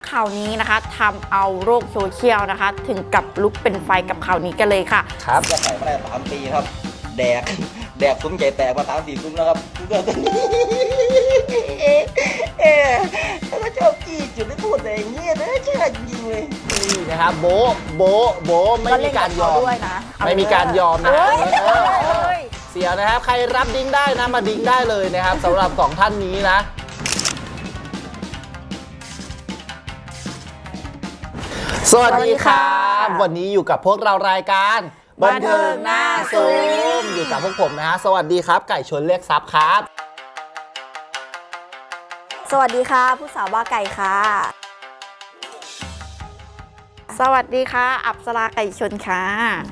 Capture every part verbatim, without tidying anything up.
ข่าวนี้นะคะทำเอาโลกโซเชียลนะคะถึงกับลุกเป็นไฟกับข่าวนี้กันเลยค่ะครับจะใส่มาได้สามปีครับแดกแดกซุ้มใหญ่แตกมาสามสี่ซุ้มแล้วครับเกิดตัวนี้เอ๊ะแล้วก็ชอบจี้จุดไม่พูดอะไรอย่างเงี้ยนะเชื่อจริงเลยนี่นะครับโบโบโบไม่มีการยอมไม่มีการยอมนะเสียนะครับใครรับดิ้งได้นะมาดิ้งได้เลยนะครับสำหรับสองท่านนี้นะสวัสดีครับวันนี้อยู่กับพวกเรารายการบันเทิงหน้าซูมอยู่กับพวกผมนะฮะสวัสดีครับไก่ชนเรียกซับครับสวัสดีค่ะผู้สาวบ้าไก่ค่ะสวัสดีค่ะอัปสราไก่ชนค่ะ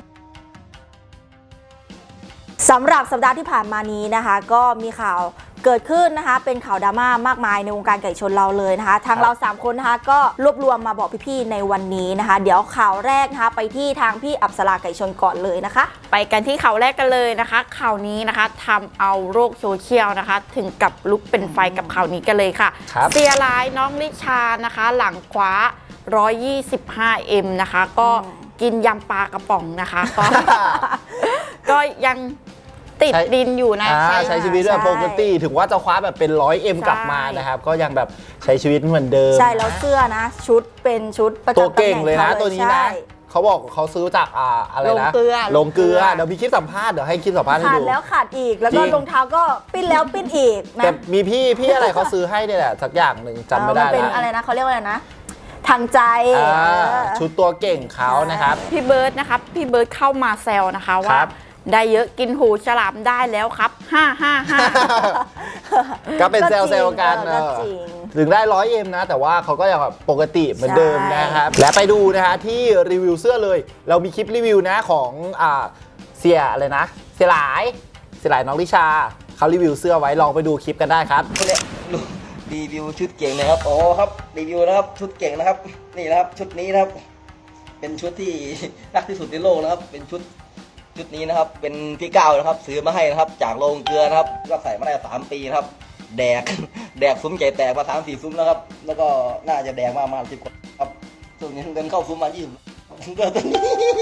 สำหรับสัปดาห์ที่ผ่านมานี้นะคะก็มีข่าวเกิดขึ้นนะคะเป็นข่าวดราม่ามากมายในวงการไก่ชนเราเลยนะคะทางเราสามคนนะคะก็รวบรวมมาบอกพี่ๆในวันนี้นะคะเดี๋ยวข่าวแรกนะคะไปที่ทางพี่อัปสราไก่ชนก่อนเลยนะคะไปกันที่ข่าวแรกกันเลยนะคะข่าวนี้นะคะทำเอาโลกโซเชียลนะคะถึงกับลุกเป็นไฟกับข่าวนี้กันเลยค่ะเสียร้ายน้องลิชานะคะหลังคว้าหนึ่งร้อยยี่สิบห้าเอ็มนะคะก็กินยำปลากระป๋องนะคะก็ก็ยังติดดินอยู่นะใช้ชีวิตแบบปกติถึงว่าจะคว้าแบบเป็นร้อยเอ็มกลับมานะครับก็ยังแบบใช้ชีวิตเหมือนเดิมใช่แล้วเสื้อนะชุดเป็นชุดประจำตำแหน่งตัวเก่งเลยนะตัวนี้นะเขาบอกเขาซื้อจากอ่าอะไรนะลงเกลือลงเกลือเดี๋ยวมีคลิปสัมภาษณ์เดี๋ยวให้คลิปสัมภาษณ์ให้ดูขาดแล้วขาดอีกแล้วก็รองเท้าก็ปิ้นแล้วปิ้นอีกนะแต่มีพี่พี่อะไรเขาซื้อให้เนี่ยแหละสักอย่างหนึ่งจำไม่ได้แล้วเป็นอะไรนะเขาเรียกว่าอะไรนะทางใจชุดตัวเก่งเขานะครับพี่เบิร์ดนะครับพี่เบิร์ดเข้ามาแซวนะคะว่าได้เยอะกินหูฉลามได้แล้วครับห้าห้าห้าก็เป็นเซลล์เซลล์กันถึงได้ร้อยเอ็มนะแต่ว่าเขาก็ยังแบบปกติเหมือนเดิมนะครับและไปดูนะฮะที่รีวิวเสื้อเลยเรามีคลิปรีวิวนะของอ่าเสียอะไรนะเสียหลายเสียหลายน้องลิชาเขารีวิวเสื้อไว้ลองไปดูคลิปกันได้ครับรีวิวชุดเก่งนะครับโอ้ครับรีวิวนะครับชุดเก่งนะครับนี่นะครับชุดนี้นะครับเป็นชุดที่รักที่สุดในโลกนะครับเป็นชุดชุดนี้นะครับเป็นพี่ก้าวนะครับซื้อมาให้นะครับจากโรงเกลือนะครับก็ใส่มาได้สามปีนะครับแดกแดกซุ้มใหญ่แตกมาสามสี่ซุ้มแล้วครับแล้วก็น่าจะแดกมาประมาณสิบกว่าครับส่วนนี้เดินเข้าซุ้มมายี่สิบเกิดตัวนี้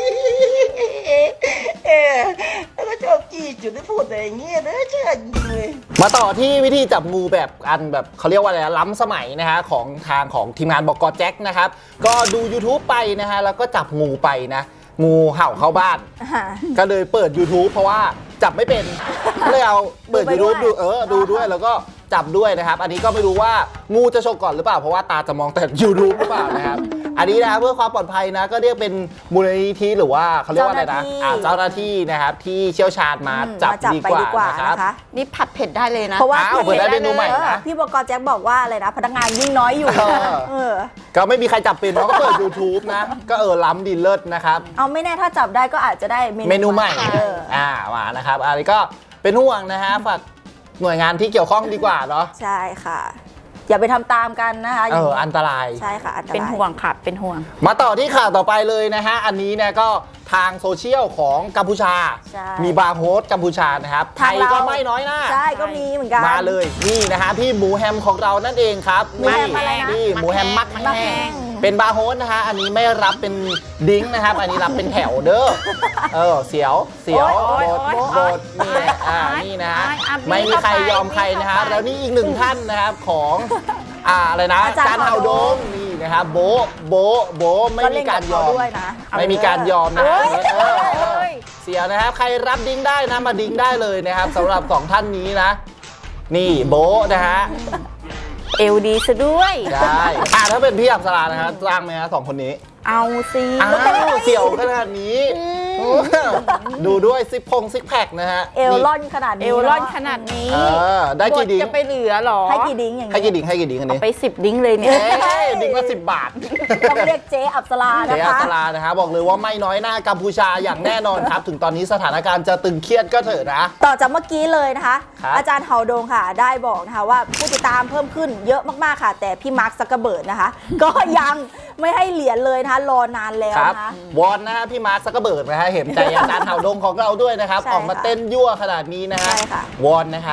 เอ๊ะแล้วก็ชอบจี้จุดไม่พูดอะไรอย่างเงี้ยนะเชื่อจริงเลยมาต่อที่วิธีจับงูแบบอันแบบเขาเรียกว่าอะไรล้ำสมัยนะฮะของทางของทีมงานบอกกอแจ็คนะครับก็ดู ยูทูบ ไปนะฮะแล้วก็จับงูไปนะงูเห่าเข้าบ้านก็เลยเปิด ยูทูบ เพราะว่าจับไม่เป็นก็เลยเอาเปิด ยูทูบ ดูเออดูด้วยแล้วก็จับด้วยนะครับอันนี้ก็ไม่รู้ว่างูจะฉกก่อนหรือเปล่าเพราะว่าตาจะมองแต่ ยูทูบ หรือเปล่านะครับอันนี้นะเพื่อความปลอดภัยนะก็เรียกเป็นมูลนิธิหรือว่าเขาเรียกว่าอะไรนะเจ้าหน้าที่นะครับที่เชี่ยวชาญมาจับดีกว่านะครับนี่ผัดเผ็ดได้เลยนะเพราะว่าเปิดได้เมนูใหม่นะพี่บอกแจ็คบอกว่าอะไรนะพนักงานยิ่งน้อยอยู่ก็ไม่มีใครจับเป็นเพราะก็เปิด ยูทูบ นะก็เออล้ำดีเลิศนะครับเอาไม่แน่ถ้าจับได้ก็อาจจะได้เมนูใหม่อ่ามานะครับอันนี้ก็เป็นห่วงนะฮะฝากหน่วยงานที่เกี่ยวข้องดีกว่าเนาะใช่ค่ะอย่าไปทำตามกันนะคะเอออันตรายใช่ค่ะอันตรายเป็นห่วงค่ะเป็นห่วงมาต่อที่ข่าวต่อไปเลยนะฮะอันนี้เนี่ยก็ทางโซเชียลของกัมพูชามีบาร์โฮสกัมพูชานะครับไทยก็ไม่น้อยหน้าใช่ก็มีเหมือนกันมาเลยนี่นะฮะพี่หมูแฮมของเรานั่นเองครับนี่นี่หมูแฮมมักแห้งเป็นบาร์โฮสนะฮะอันนี้ไม่รับเป็นดิ้งนะครับอันนี้รับเป็นแถวเด้อเออเสียวเสียวโบดโบดนี่อ่านี่นะฮะไม่มีใครยอมใครนะฮะแล้วนี่อีกหนึ่งท่านนะครับของอ่าอะไรนะการเฮาดงนี่นะครับโบโบโบไม่มีการยอมไม่มีการยอมนะเสียนะครับใครรับดิ้งได้นะมาดิ้งได้เลยนะครับสำหรับสองท่านนี้นะนี่โบนะฮะเอลดีซะด้วยได้อ่าถ้าเป็นพี่อับสรานะครับจ้างไหมฮะสองคนนี้เอาสิอ้าวเสี่ยวขนาดนี้ดูด้วยซิกพงซิกแพคนะฮะเอลล่อนขนาดนี้เอลล่อนขนาดนี้ได้กี่ดิ้งจะไปเหลือหรอให้กี่ดิ้งอย่างนี้ให้กี่ดิ้งให้กี่ดิ้งอันนี้ไปสิบดิ้งเลยเนี่ยดิ้งละสิบบาทต้องเรียกเจ๊อับสรานะคะเจ๊อับสรานะคะบอกเลยว่าไม่น้อยหน้ากัมพูชาอย่างแน่นอนครับถึงตอนนี้สถานการณ์จะตึงเครียดก็เถอะนะต่อจากเมื่อกี้เลยนะคะอาจารย์เฮาดงค่ะได้บอกนะคะว่าผู้ติดตามเพิ่มขึ้นเยอะมากๆค่ะแต่พี่มาร์คซักเกอร์เบิร์ดนะคะก็ยังไม่ให้เหรียญเลยนะคะรอนานแล้วนะคะวอนนะฮะพี่มาร์คซักเกอร์เบิร์ดนะฮะเห็นใจอาจารย์เฮาดงของเราด้วยนะครับออกมาเต้นยั่วขนาดนี้นะฮะวอนนะครับ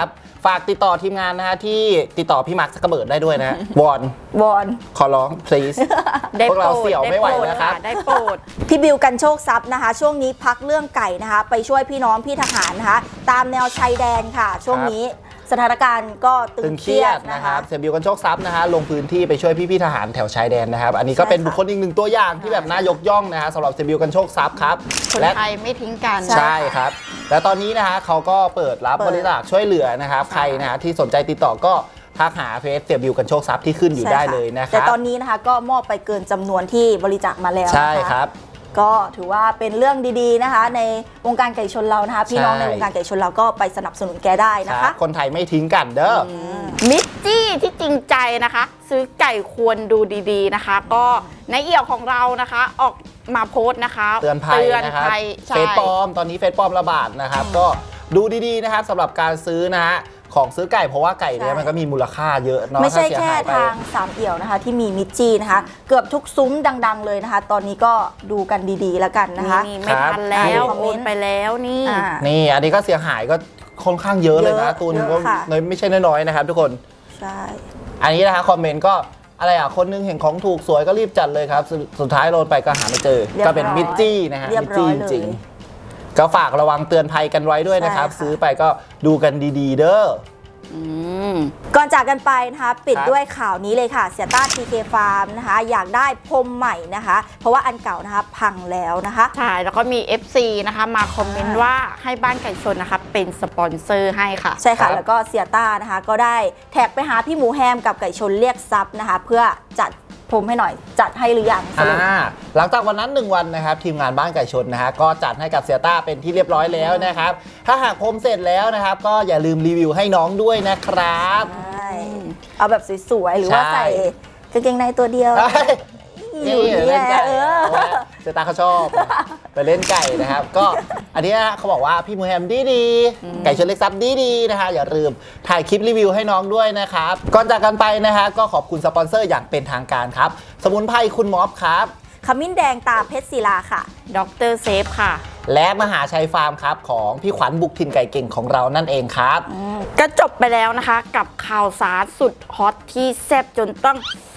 ฝากติดต่อทีมงานนะฮะที่ติดต่อพี่มาร์คซักเกอร์เบิร์ดได้ด้วยนะฮะวอนวอนขอร้อง please ได้พวกเราโปรดเสี่ยวไม่ไหวด้โปรดนะครับได้โปรดพี่บิวกันโชคทรัพย์นะคะ ช่วงนี้พักเรื่องไก่นะคะ ไปช่วยพี่น้องพี่ทหารนะคะ ตามแนวชายแดนค่ะ ช่วงนี้สถานการณ์ก็ตึตึงงเคเครีรียยดดนะนะคะ ครับเสียบิวกันโชคทรัพย์นะฮะลงพื้นที่ไปช่วยพี่ๆทหารแถวชายแดนนะครับ อันนี้ก็เป็นใช่ค่ะบุคคลอีกหนึ่งตัวอย่างที่แบบน่ายกย่องนะฮะสำหรับเสียบิวกันโชคทรัพย์ครับคนและไทยไม่ทิ้งกันใช่ใช่ครับ และตอนนี้นะฮะเขาก็เปิดรับเปิดบริจาคช่วยเหลือนะครับใช่ใครนะฮะที่สนใจติดต่อก็ทักหาเพจเสียบิวกันโชคทรัพย์ที่ขึ้นอยู่ใช่ได้ค่ะเลยนะคแต่รับตอนนี้นะคะก็มอบไปเกินจำนวนที่บริจาคมาแล้วนะคะใช่ครับก็ถือว่าเป็นเรื่องดีๆนะคะ ในวงการไก่ชนเรานะคะ พี่น้องใช่ในวงการไก่ชนเราก็ไปสนับสนุนแกได้นะคคะรับคนไทยไม่ทิ้งกันเด้ออมิตรจี้ที่จริงใจนะคะ ซื้อไก่ควรดูดีๆนะคะ ก็ในเอี่ยวของเรานะคะ ออกมาโพสต์นะคะเตือนภัยนะครับภัยใช่เฟซปลอมตอนนี้เฟซปลอมระบาดนะครับ ก็ดูดีๆนะครับสำหรับการซื้อนะฮะของซื้อไก่เพราะว่าไก่เนี่ยใช่มันก็มีมูลค่าเยอะเนาะไม่ใช่ถ้าเสียแค่หายไปทางสามเอี่ยวนะคะ ที่มีมิตรจีนะคะ เกือบทุกซุ้มดัง ๆ เลยนะคะ ตอนนี้ก็ดูกันดีๆแล้วกันนะคะนี่ไม่ทันแล้วครับโอนไปแล้วนี่อ่านี่อันนี้ก็เสียหายก็ค่อนข้างเยอะเลยนะเยอะตูนเยอะก็ค่ะไม่ใช่น้อยๆนะครับทุกคนใช่อันนี้นะคะคอมเมนต์ก็อะไรอ่ะคนนึงเห็นของถูกสวยก็รีบจัดเลยครับสุดสุดท้ายโดนไปก็หาไม่เจอเรียบร้อยก็เป็นมิตรจี้นะฮะเรียบมิตรร้จี้อยจเลยริงๆก็ฝากระวังเตือนภัยกันไว้ด้วยนะครับใช่ค่ะซื้อไปก็ดูกันดีๆ เด้ออืมก่อนจากกันไปนะคะ ปิดครับด้วยข่าวนี้เลยค่ะเสียต้า ที เค ฟาร์มนะคะ อยากได้พรมใหม่นะคะ เพราะว่าอันเก่านะคะพังแล้วนะคะใช่แล้วก็มี เอฟ ซี นะคะมาคอมเมนต์ว่าให้บ้านไก่ชนนะคะเป็นสปอนเซอร์ให้ค่ะใช่ค่ะครับแล้วก็เสียต้านะคะก็ได้แท็กไปหาพี่หมูแฮมกับไก่ชนเรียกซับนะคะ เพื่อจัดพรมให้หน่อยจัดให้หรือยังสรุปอ่าหลังจากวันนั้นหนึ่งวันนะครับทีมงานบ้านไก่ชนนะฮะก็จัดให้กับเสียต้าเป็นที่เรียบร้อยแล้วนะครับถ้าหากพรมเสร็จแล้วนะครับก็อย่าลืมรีวิวให้น้องด้วยนะครับใช่เอาแบบสวยๆ หรือว่าใช่ใส่กางเกงในตัวเดียว อยู่นี่นี่เล่นไก่เออเพราะว่าเจตาเขาชอบไปเล่นไก่นะครับ ก็อันเนี้ยเขาบอกว่าพี่มูแฮมดีดีๆไก่ชนเล็กซับดีดีๆนะคะอย่าลืมถ่ายคลิปรีวิวให้น้องด้วยนะครับก่อนจากกันไปนะฮะก็ขอบคุณสปอนเซอร์อย่างเป็นทางการครับ สมุนไพรคุณม็อบครับขมิ้นแดงตาเพชรศิลาค่ะดรเซฟค่ะและมหาชัยฟาร์มครับของพี่ขวัญบุกถิ่นไก่เก่งของเรานั่นเองครับก็จบไปแล้วนะคะกับข่าวสารสุดฮอตที่แซ่บจนต้อง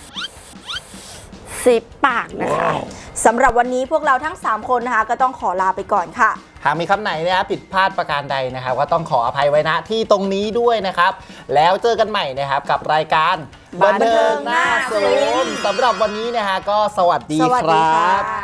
ซิบปากนะคะสำหรับวันนี้พวกเราทั้ง สาม คนนะคะ ก็ต้องขอลาไปก่อนค่ะหากมีคำไหนนะครับผิดพลาดประการใดนะครับก็ต้องขออภัยไว้ณที่ตรงนี้ด้วยนะครับ แล้วเจอกันใหม่นะครับกับรายการบันเทิงหน้าซูมสำหรับวันนี้นะฮะก็สวัสดีสวัสคดีรัค่ะบ